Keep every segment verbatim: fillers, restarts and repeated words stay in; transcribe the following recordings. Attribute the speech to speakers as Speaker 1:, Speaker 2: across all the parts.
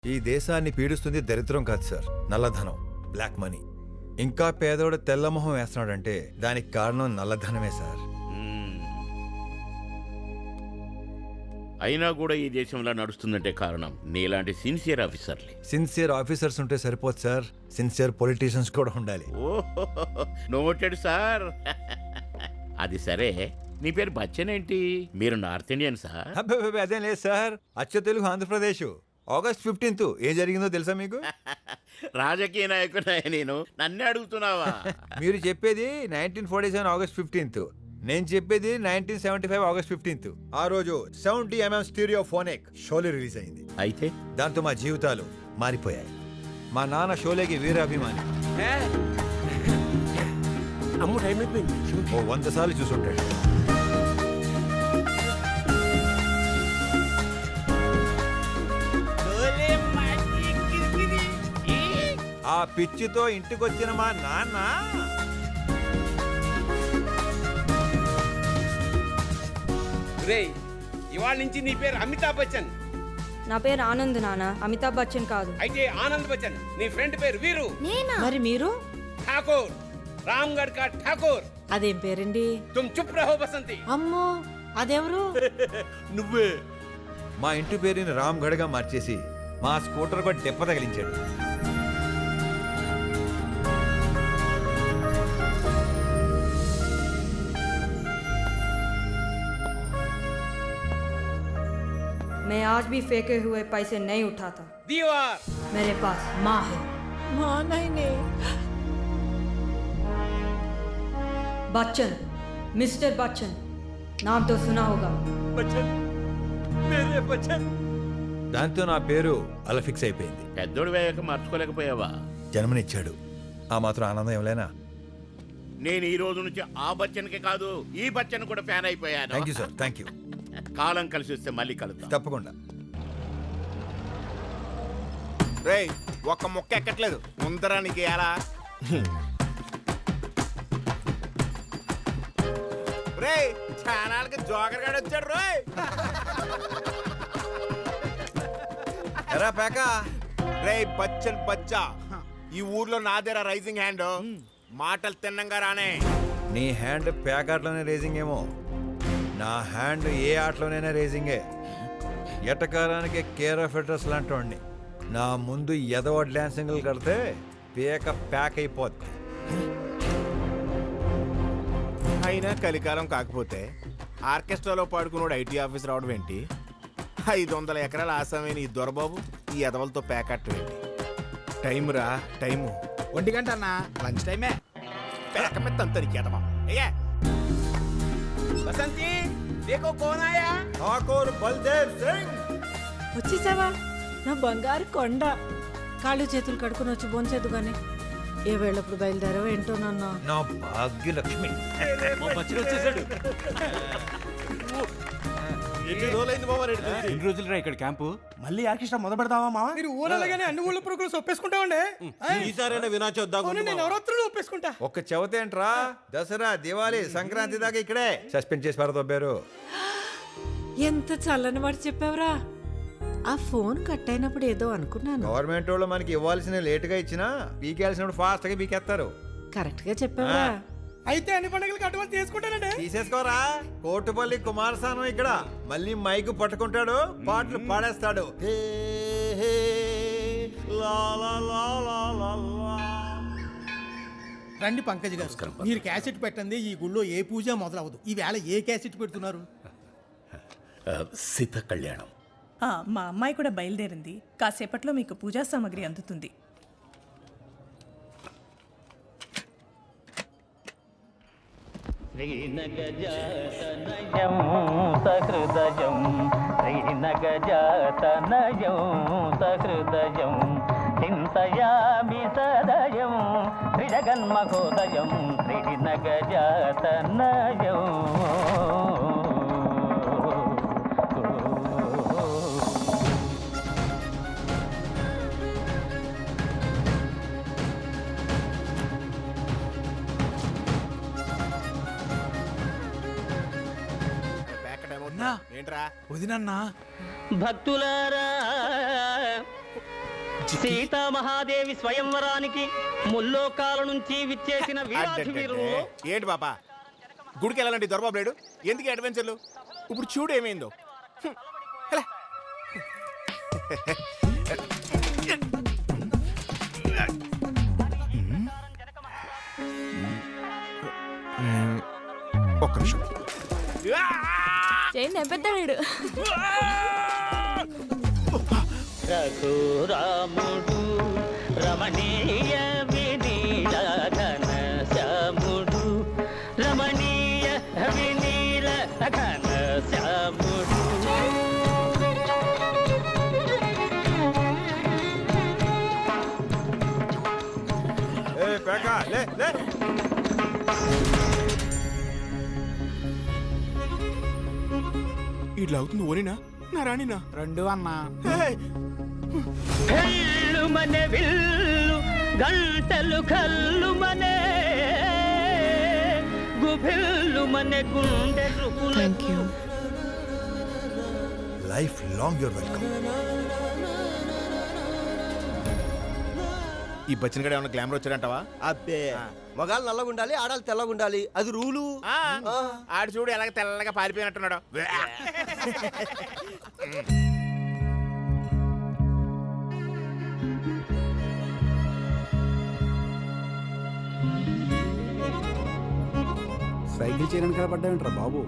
Speaker 1: ఈ దేశాన్ని పీడిస్తుంది దరిద్రం కాదు సార్, నల్లధనం, బ్లాక్ మనీ. ఇంకా పేదోడు తెల్లమొహం వేస్తున్నాడంటే దానికి కారణం నల్లధనమే సార్.
Speaker 2: అయినా కూడా ఈ దేశంలో నడుస్తుందంటే కారణం నీలాంటి సిన్సియర్ ఆఫీసర్లే.
Speaker 1: సిన్సియర్ ఆఫీసర్స్ ఉంటే సరిపోదు సార్, సిన్సియర్ పొలిటీషియన్స్ కూడా ఉండాలి.
Speaker 2: ఓహో, నోటెడ్ సార్. అది సరే, నీ పేరు బచ్చన్ ఏంటి? మీరు నార్త్ ఇండియన్ సార్?
Speaker 1: అబ్బే అదేం లేదు సార్, అచ్చ తెలుగు ఆంధ్రప్రదేశ్. ఆగస్ట్ ఫిఫ్టీన్త్ ఏం జరిగిందో తెలుసా మీకు?
Speaker 2: రాజకీయ నాయకుడా నేను? నన్నే అడుగుతున్నావా?
Speaker 1: మీరు చెప్పేది nineteen forty seven August fifteenth, నేను చెప్పేది nineteen seventy five August fifteenth. ఆ రోజు seventy MM stereophonic Sholay release అయింది.
Speaker 2: అయితే
Speaker 1: దాంతో మా జీవితాలు మారిపోయాయి. మా నాన్న షోలేకి వీరాభిమాని.
Speaker 3: అమ్ము టైం అయిపోయింది.
Speaker 1: ఓ వంద సార్లు చూసుంటాడు. ఆ పిచ్చితో ఇంటికొచ్చిన మా నాన్న
Speaker 3: ఇవాళ నుంచి నీ పేరు అమితాబ్ బచ్చన్.
Speaker 4: నా పేరు ఆనంద్ నాన్న, అమితాబ్ బచ్చన్ కాదు.
Speaker 3: అయితే ఆనంద్ బచ్చన్. నీ ఫ్రెండ్ పేరు వీరు.
Speaker 5: మరి మీరు?
Speaker 3: ఠాకూర్, రామ్గఢ్ కా ఠాకూర్.
Speaker 5: అదేం పేరండి?
Speaker 3: తుమ్ చుప్ రహో బసంతి.
Speaker 5: అమ్మో, అదెవరు?
Speaker 3: నువ్వే.
Speaker 1: మా ఇంటి పేరుని రామ్ గఢ్ గా మార్చేసి మా స్కూటర్ కూడా దెబ్బ తగిలించాడు.
Speaker 4: मैं आज भी फेंके हुए पैसे नहीं उठाता.
Speaker 3: दीवार.
Speaker 4: मेरे पास माँ है.
Speaker 5: మా నాయనే.
Speaker 4: बच्चन, मिस्टर बच्चन, नाम तो सुना होगा.
Speaker 3: బచ్చన్, మేరే బచ్చన్.
Speaker 1: దాంతో నా పేరు అలా ఫిక్స్ అయిపోయింది.
Speaker 2: పెద్దోడు వేయక మార్చుకోలేకపోయావా?
Speaker 1: జన్మనిచ్చాడు, ఆ మాత్రం ఆనందం ఏమలేనా?
Speaker 2: నేను ఈ రోజు నుంచి ఆ బచ్చన్కే కాదు, ఈ బచ్చన్ కూడా ఫ్యాన్ అయిపోయాను.
Speaker 1: Thank you sir, thank you.
Speaker 2: కాలం కలిసి వస్తే మళ్ళీ కలుద్దాం.
Speaker 1: తప్పకుండా.
Speaker 6: రేయ్, ఒక్క ముక్క ఎక్కట్లేదు. ముందరా నీకు ఎలా? రేయ్, ఛానల్కి జోకర్ గాడు వచ్చాడు. రోయ్
Speaker 1: ఎరా పేకా.
Speaker 6: రేయ్ బచ్చన్ బచ్చా, ఈ ఊర్లో నాదేరా రైజింగ్ హ్యాండ్. మాటలు తిన్నంగా రానే.
Speaker 1: నీ హ్యాండ్ ప్యాకాట్లోనే రేసింగ్ ఏమో, నా హ్యాండ్ ఏ ఆటలోనైనా రేసింగే. ఎటకారానికి కేర్ ఆఫ్ అడ్రస్ లాంటి వాడిని. నా ముందు ఎదవ డ్యాన్సింగ్లు కడితే పేక ప్యాక్ అయిపోద్ది.
Speaker 6: అయినా కలికాలం కాకపోతే ఆర్కెస్ట్రాలో పాడుకున్నాడు ఐటీ ఆఫీస్ రావడం ఏంటి? ఐదు వందల ఎకరాల ఆసామైన ఈ దొరబాబు ఈ ఎదవలతో ప్యాకట్టం ఏంటి? టైం రా టైము.
Speaker 7: ఒంటి గంట అన్న, లంచ్ టైమే.
Speaker 6: పేక మీద తంతరికి ఎదవా. అయ్యా
Speaker 3: బసంతి, దేకో కోన్ ఆయా?
Speaker 1: ఠాకూర్ బల్దేవ్ సింగ్.
Speaker 5: వచ్చేసావా? నా బంగారు కొండ. కాళ్ళు చేతులు కడుకుని వచ్చి బోన్చేదు గాని ఏ వేళప్పుడు బయలుదేరావో ఏంటో నాన్న.
Speaker 1: నా భాగ్యలక్ష్మి.
Speaker 7: వచ్చేసాడు.
Speaker 6: ఎన్ని రోజులైంది బాబా?
Speaker 7: ఎన్ని రోజులు రా ఇక్కడ క్యాంపు? మళ్ళీ ఆర్కెస్ట్రా మొదలు పెడదామా మావా?
Speaker 3: మీరు ఊరగానే అన్ని ఊళ్ళ పురుగులు ఒప్పేసుకుంటామండి.
Speaker 6: ఈసారైనా వినాచొద్దాం.
Speaker 3: నేను నవరాత్రులు ఒప్పేసుకుంటా.
Speaker 1: ఒక్క చెవతేంట్రా, దసరా దివాళీ సంక్రాంతి దాకా ఇక్కడే సస్పెండ్ చేసి పారదొబ్బారు.
Speaker 5: ఎంత చల్లని మాట చెప్పావురా. ఆ ఫోన్ కట్ అయినప్పుడు ఏదో అనుకున్నాను.
Speaker 1: గవర్నమెంట్ వాళ్ళు మనకి ఇవ్వాల్సిన లేట్ గా ఇచ్చినా పీకేయాల్సినప్పుడు ఫాస్ట్ గా పీకేస్తారు.
Speaker 5: కరెక్ట్ గా చెప్పావా?
Speaker 3: అయితే అన్ని పండుగలకి అడ్వాన్స్ తీసుకుంటానండి.
Speaker 1: తీసేసుకోరా. కోటుపల్లి కుమారస్వామి ఇక్కడ మళ్ళీ మైకు పట్టుకుంటాడు, పాటలు పాడేస్తాడు. హే, హే, లా, లా, లా, లా, లా, లా.
Speaker 8: రండి పంకజ్ గారు, మీరు క్యాసెట్ పెట్టండి. ఈ గుళ్ళో ఏ పూజ మొదలవదు. ఈ వేళ ఏ క్యాసెట్ పెడుతున్నారు?
Speaker 2: సీత కళ్యాణం.
Speaker 9: మా అమ్మాయి కూడా బయలుదేరింది. కాసేపట్లో మీకు పూజా సామాగ్రి అందుతుంది.
Speaker 10: శ్రీనగజాతనయం సహృదయం, శ్రీనగజాతనయం సహృదయం, చింతయామి సదయం శ్రీజగన్మహోదయం, శ్రీనగజాతనయం.
Speaker 6: ఏంట్రా
Speaker 7: వదినన్నా
Speaker 10: భక్తులారా సీతామహాదేవి స్వయంవరానికి ముల్లోకాల నుంచి విచ్చేసిన వీరాధి వీరులు
Speaker 6: ఏంటి పాపా గుడికి వెళ్ళాలండి దొరబాబు లేడు ఎందుకు అడ్వెంచర్లు ఇప్పుడు చూడు ఏమైందో హ్మ్. ఎలా? హ్మ్. ఒక్క నిమిషం
Speaker 9: పెద్దాడు
Speaker 10: రఘురాముడు రమణీయ వినీల ఘన శ్యాముడు రమణీయ వినీల ఘన శ్యాముడు
Speaker 1: ఏ పేక లే లే
Speaker 6: ఇట్లా అవుతుంది ఓనినా నా రాణినా
Speaker 8: రెండు అన్నా
Speaker 10: కళ్ళు మనే విల్లు గంటలు కళ్ళు మనే గుభిల్లు మనే గుండె thank you
Speaker 1: life long your welcome.
Speaker 6: ఈ బచ్చిన గడ ఏమైనా గ్లామర్ వచ్చాడంటావా
Speaker 3: అబ్బే మగాళ్ళు నల్లగా ఉండాలి ఆడాలి తెల్లగా ఉండాలి అది రూలు.
Speaker 6: ఆ, ఆడు చూడు ఎలాగ తెల్లగా పారిపోయినట్టున్నాడు
Speaker 7: సైకిల్ చేయడానికి కనపడ్డామంటారా బాబు?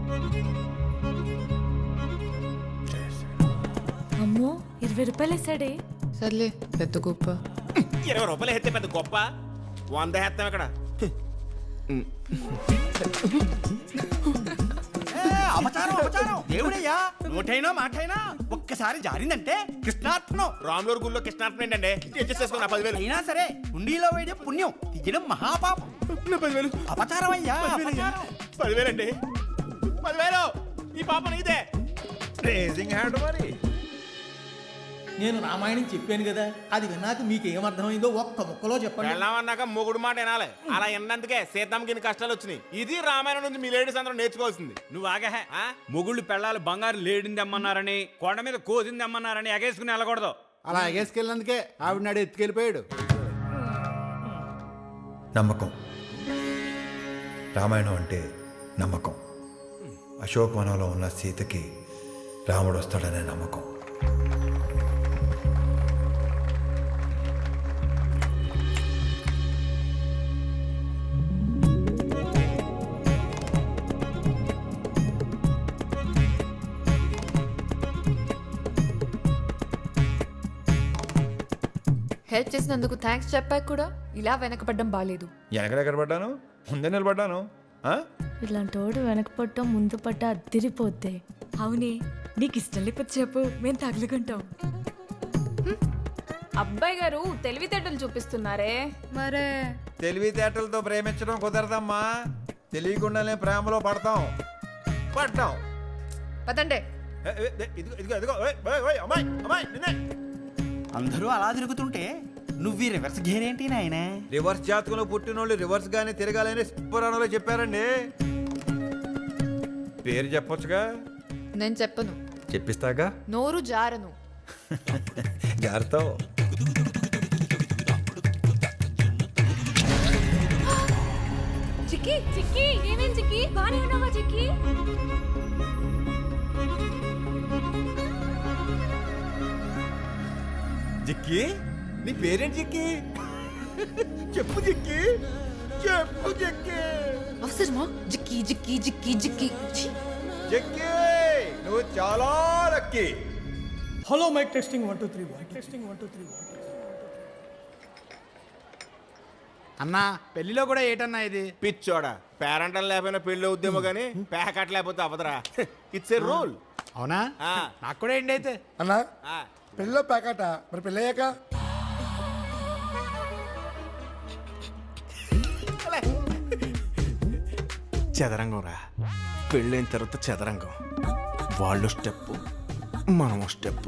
Speaker 9: అమ్మో ఇరవై రూపాయలు వేసాడే.
Speaker 5: సర్లే పెద్ద గొప్ప.
Speaker 6: ఇరవై రూపాయలు ఎత్తే పెద్ద గొప్ప వంద ఎత్తాం ఇక్కడ
Speaker 3: అపచారం అపచారం దేవుడయ్యా నోటైనా మాటైనా ఒక్కసారి జారిందంటే కృష్ణార్పణం.
Speaker 6: రాములూరు గుళ్ళో కృష్ణార్థం ఏంటంటే అడ్జస్ట్ చేసుకున్నా పదివేలు
Speaker 3: అయినా సరే ఉండిలో వేయడం పుణ్యం తీయడం మహాపాపం.
Speaker 6: నా పదివేలు
Speaker 3: అపచారం అయ్యా అపచారం.
Speaker 6: పదివేలండి పదివేలు ఈ పాప నీదే
Speaker 1: రేజింగ్ హ్యాండ్ మరి.
Speaker 8: నేను రామాయణం చెప్పాను కదా అది విన్నాక మీకు ఏమర్థమైందో ఒక్క ముక్కలో చెప్పండి.
Speaker 6: వెళ్ళామన్నాక మొగుడు మాట వినాలి అలా విన్నందుకే సీతమ్మకి ఇన్ని కష్టాలు వచ్చినాయి. ఇది రామాయణం నుంచి మీ లేడీస్ అందరూ నేర్చుకోవాల్సింది.
Speaker 11: నువ్వు ఆగా మొగుళ్ళు పెళ్ళాలు బంగారు లేడింది అమ్మన్నారని కొండ మీద కోసింది అమ్మన్నారని ఎగేసుకుని వెళ్ళకూడదు.
Speaker 7: అలా ఎగేసుకెళ్ళినందుకే ఆవిడ నాడు ఎత్తుకెళ్ళిపోయాడు.
Speaker 1: నమ్మకం. రామాయణం అంటే నమ్మకం. అశోకవనంలో ఉన్న సీతకి రాముడు వస్తాడనే నమ్మకం.
Speaker 5: హెల్ప్ చేసినందుకు థ్యాంక్స్ చెప్పాక కూడా ఇలా వెనకపడ్డం బాలేదు.
Speaker 1: వెనకడెక్కడ పడ్డాను? ముందే నిలబడ్డాను. ఆ?
Speaker 9: ఇలాంటి వాడు వెనక పట్టం ముందు పట్ట అద్దిరిపోద్ది. అవునే నీకు ఇష్టం లేకపోతే చెప్పు మేము తగులుకుంటాం.
Speaker 5: అబ్బాయి గారు తెలివితేటలు చూపిస్తున్నారే. మరే
Speaker 1: తెలివితేటలతో ప్రేమించడం కుదరదమ్మా. తెలియకుండానే ప్రేమలో పడతాం పడ్డాం.
Speaker 5: పదండే.
Speaker 1: ఏ, ఏ, ఏ, ఇదిగో ఇదిగో ఇదిగో ఓయ్, ఓయ్, ఓయ్, అమ్మాయి అమ్మాయి నిన్నే.
Speaker 3: అందరూ అలా తిరుగుతుంటే నువ్వు ఈ రివర్స్ గేర్ ఏంటి నాయన?
Speaker 1: రివర్స్ జాతకంలో పుట్టినోళ్ళు రివర్స్ గానే తిరగాలని పురాణంలో చెప్పారండి. పేరు చెప్పొచ్చుగా.
Speaker 5: నేను చెప్పను.
Speaker 1: చెప్పిస్తాగా.
Speaker 5: నోరు జారను.
Speaker 1: జాగ్రత్త.
Speaker 9: చిక్కి చిక్కి ఏమేం చిక్కి బానే ఉన్నావా చిక్కి?
Speaker 1: జిక్కి నీ పేరేంటి జిక్కి? చెప్పు జిక్కి చెప్పు జిక్కి.
Speaker 5: అవసరమా జిక్కి జిక్కి జిక్కి జిక్కి.
Speaker 1: జిక్కి నువ్వు చాలా lucky.
Speaker 3: Hello mike testing one two three one testing one two three one.
Speaker 7: అన్నా పెళ్లిలో కూడా ఏటన్నా ఇది?
Speaker 6: పిచ్చోడా పేరెంటల్ లేకపోయినా పెళ్లి అవుద్దేమో గానీ ప్యాకెట్ లేకపోతే అవదరా. It's a rule.
Speaker 7: అవునా? నాకు కూడా ఏంటి అయితే
Speaker 3: అన్నా పెళ్ళో ప్యాకెట మరి పెళ్ళయ్యాక
Speaker 6: చదరంగం రా. పెళ్ళైన తర్వాత చదరంగం. వాళ్ళు స్టెప్ మనం స్టెప్.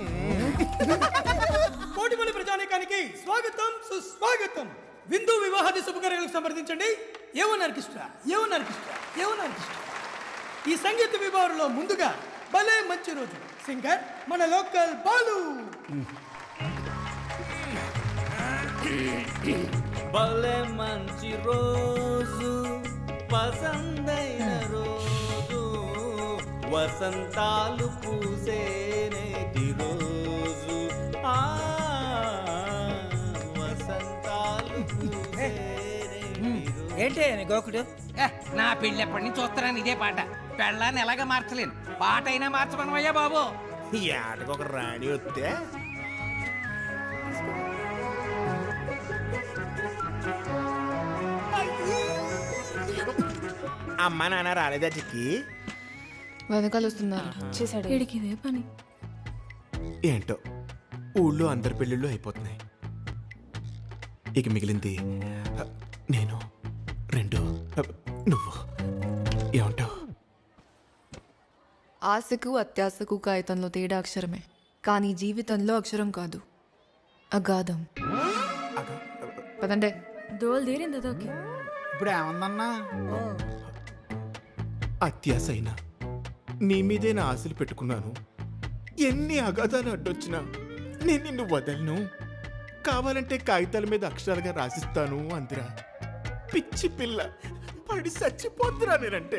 Speaker 3: కోటిపల్లి ప్రజానీకానికి స్వాగతం సుస్వాగతం. విందు వివాహాది శుభకార్యాలకు సంప్రదించండి. A one orchestra A one orchestra A one orchestra. ఈ సంగీత విభాగంలో ముందుగా భలే మంచి రోజు సింగర్ మన లోకల్ బాలు.
Speaker 8: భలే మంచి రోజు పసందైన రోజు వసంతాలు పూసేనేటి రోజు ఆ వసంతాలు
Speaker 10: ఏంటి గోకుడు నా పెళ్ళి ఎప్పటి నుంచి చూస్తున్నాను ఇదే పాట పెళ్ళాన్ని ఎలాగ మార్చలేను పాట అయినా మార్చమనమయ్యా బాబు.
Speaker 6: ఈ ఆటకు ఒక రాణి వస్తే అమ్మ నాన్న రాలేదా చిక్కి?
Speaker 9: వెనకాల వస్తున్నారు చేశాడు వీడికి ఇదే పని.
Speaker 6: ఏంటో ఊళ్ళో అందరి పెళ్ళిళ్ళు అయిపోతున్నాయి. ఇక మిగిలింది నేను, రెండు నువ్వు. ఏమంటావు?
Speaker 9: ఆశకు అత్యాశకు కాగితంలో తేడా అక్షరమే, కానీ జీవితంలో అక్షరం కాదు, అగాధం. పదండే దోలు తీరింది అదొకే.
Speaker 8: ఇప్పుడు ఏమందన్నా?
Speaker 6: అత్యాశ అయినా నీ మీదే నా ఆశలు పెట్టుకున్నాను. ఎన్ని అగాధాలు అడ్డొచ్చినా నేను నిన్ను వదలను. కావాలంటే కాగితాల మీద అక్షరాలుగా రాసిస్తాను అందిరా. పిచ్చి పిల్ల పడి చచ్చిపోతురా నేనంటే.